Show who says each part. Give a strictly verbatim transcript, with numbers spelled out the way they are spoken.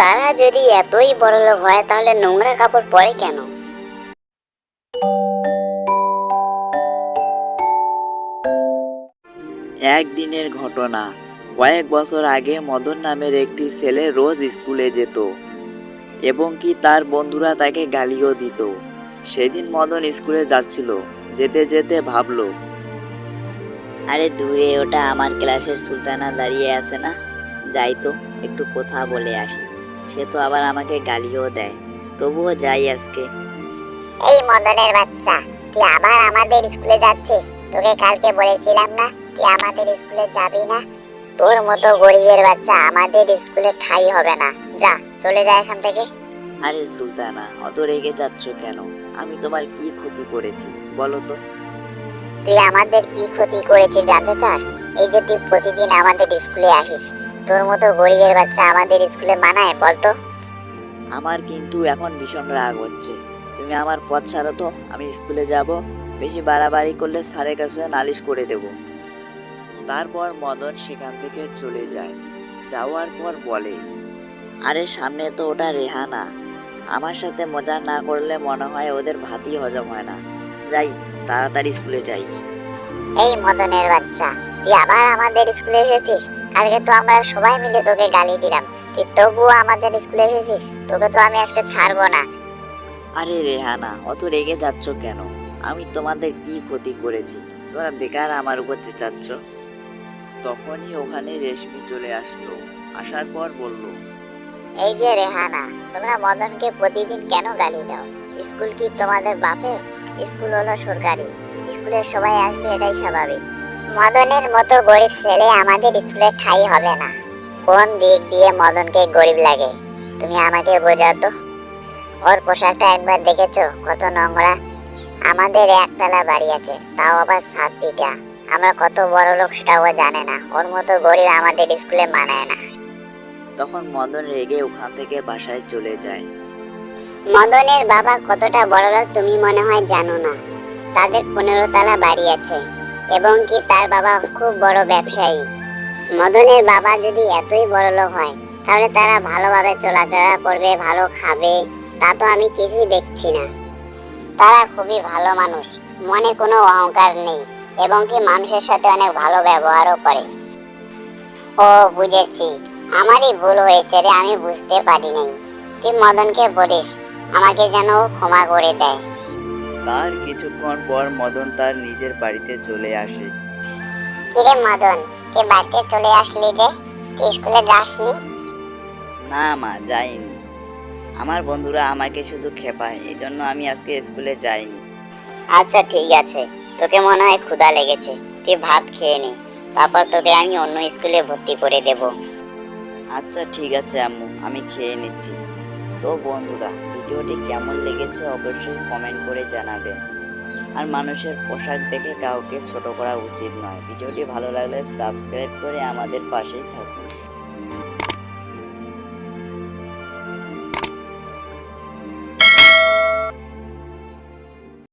Speaker 1: তারা যদি এতই বড়লোক হয় তাহলে নোংরা কাপড় পরে কেন?
Speaker 2: একদিনের ঘটনা। কয়েক বছর আগে মদন নামের একটি ছেলে রোজ স্কুলে যেত এবং কি তার বন্ধুরা তাকে গালিও দিত। সেদিন মদন স্কুলে যাচ্ছিল, যেতে যেতে ভাবলো,
Speaker 1: আরে দূরে ওটা আমার ক্লাসের সুলতানা দাঁড়িয়ে আছে না, যাই তো একটু কথা বলে আসি। সে তো আবার আমাকে গালিও দেয়, তবুও যাই আজকে। এই মদনের বাচ্চা, তুই আবার আমাদের স্কুলে যাচ্ছিস? তোকে কালকে বলেছিলাম না তুই আমাদের স্কুলে যাবি না? তোর মতো গরিবের বাচ্চা আমাদের স্কুলে ঠাঁই হবে না, যা চলে যা এখান থেকে।
Speaker 2: আরে সুলতানা, অত রেগে যাচ্ছ কেন? আমি তোমার কি ক্ষতি করেছি বলো তো?
Speaker 1: তুই আমাদের কি ক্ষতি করেছিস জানতে চাস? এই যে তুই প্রতিদিন আমাদের স্কুলে আসিস, তোর মতো গরিবের বাচ্চা আমাদের স্কুলে মানায় বলতো?
Speaker 2: আমার কিন্তু এখন ভীষণ রাগ হচ্ছে। তুমি আমার পথ ছাড়ো তো, আমি স্কুলে যাব। বেশি বাড়াবাড়ি করলে স্যারের কাছে নালিশ করে দেব। তারপর মদন সেখান থেকে চলে যায়। যাওয়ার পর বলে, আরে সামনে তো ওটা রেহানা, আমার সাথে মজা না করলে মনে হয় ওদের ভাতই হজম হয় না। যাই, তাড়াতাড়ি স্কুলে যাই।
Speaker 1: এই মদনের বাচ্চা, তুই আবার আমাদের স্কুলে এসেছিস? কালকে তো আমরা সবাই মিলে তোকে গালি দিলাম, তুই তবুও আমাদের স্কুলে এসেছিস? তোকে তো আমি আজকে ছাড়বো না।
Speaker 2: আরে রেহানা, অত রেগে যাচ্ছ কেন? আমি তোমাদের কি ক্ষতি করেছি? তোমরা বেকার আমার উপর চেঁচাচ্ছ। তখনই ওখানে রেশমি চলে আসলো। আসার পর বলল,
Speaker 1: এই যে রেহানা, তোমরা মদনকে প্রতিদিন কেন গালি দাও? স্কুল কি তোমাদের বাপের? স্কুল হলো সরকারি, স্কুলের সবাই আসবে, এটাই স্বাভাবিক। মদনের মতো গরিব ছেলে আমাদের স্কুলে ঠাঁই হবে না। কোন দিক দিয়ে মদনকে গরিব লাগে তুমি আমাকে বোঝাও তো। ওর পোশাকটা একবার দেখেছো কত নোংরা? আমাদের একতলা বাড়ি আছে, তাও আবার সাত পিটা। আমরা কত বড় লোক সেটাও জানে না। ওর মতো গরিব আমাদের স্কুলে মানায় না।
Speaker 2: তখন মদন রেগে ওখান থেকে বাসায় চলে যায়।
Speaker 1: মদনের বাবা কতটা বড় লোক তুমি মনে হয় জানো না। তাদের পনেরো তলা বাড়ি আছে এবং কি তার বাবা খুব বড় ব্যবসায়ী। মদনের বাবা যদি এতই বড় লোক হয় তাহলে তারা ভালোভাবে চলাফেরা করবে, ভালো খাবে, তা তো আমি কিছুই দেখছি না। তারা খুবই ভালো মানুষ, মনে কোনো অহংকার নেই এবং কি মানুষের সাথে অনেক ভালো ব্যবহারও করে। ও বুঝেছি, আমারই ভুল হয়েছে রে, আমি বুঝতে পারি নাই। তুই মদনকে বলিস আমাকে যেন ক্ষমা করে দেয়।
Speaker 2: তার কিছুক্ষণ পর মদন তার নিজের বাড়িতে চলে আসে।
Speaker 1: কিরে মদন, তুই বাড়িতে চলে আসলি যে, তুই স্কুলে যাসনি?
Speaker 2: না মা, যাইনি। আমার বন্ধুরা আমাকে শুধু খেপায়, এই জন্য আমি আজকে স্কুলে যাইনি।
Speaker 1: আচ্ছা ঠিক আছে, তোকে মনে হয় ক্ষুধা লেগেছে, তুই ভাত খেয়ে নে, তারপর তোকে আমি অন্য স্কুলে ভর্তি করে দেব।
Speaker 2: আচ্ছা ঠিক আছে আম্মু, আমি খেয়ে নিচ্ছি। তো বন্ধুরা, ভিডিওটি কেমন লেগেছে অবশ্যই কমেন্ট করে জানাবেন। আর মানুষের পোশাক দেখে কাউকে ছোট করা উচিত নয়। ভিডিওটি ভালো লাগলে সাবস্ক্রাইব করে আমাদের পাশেই থাকুন।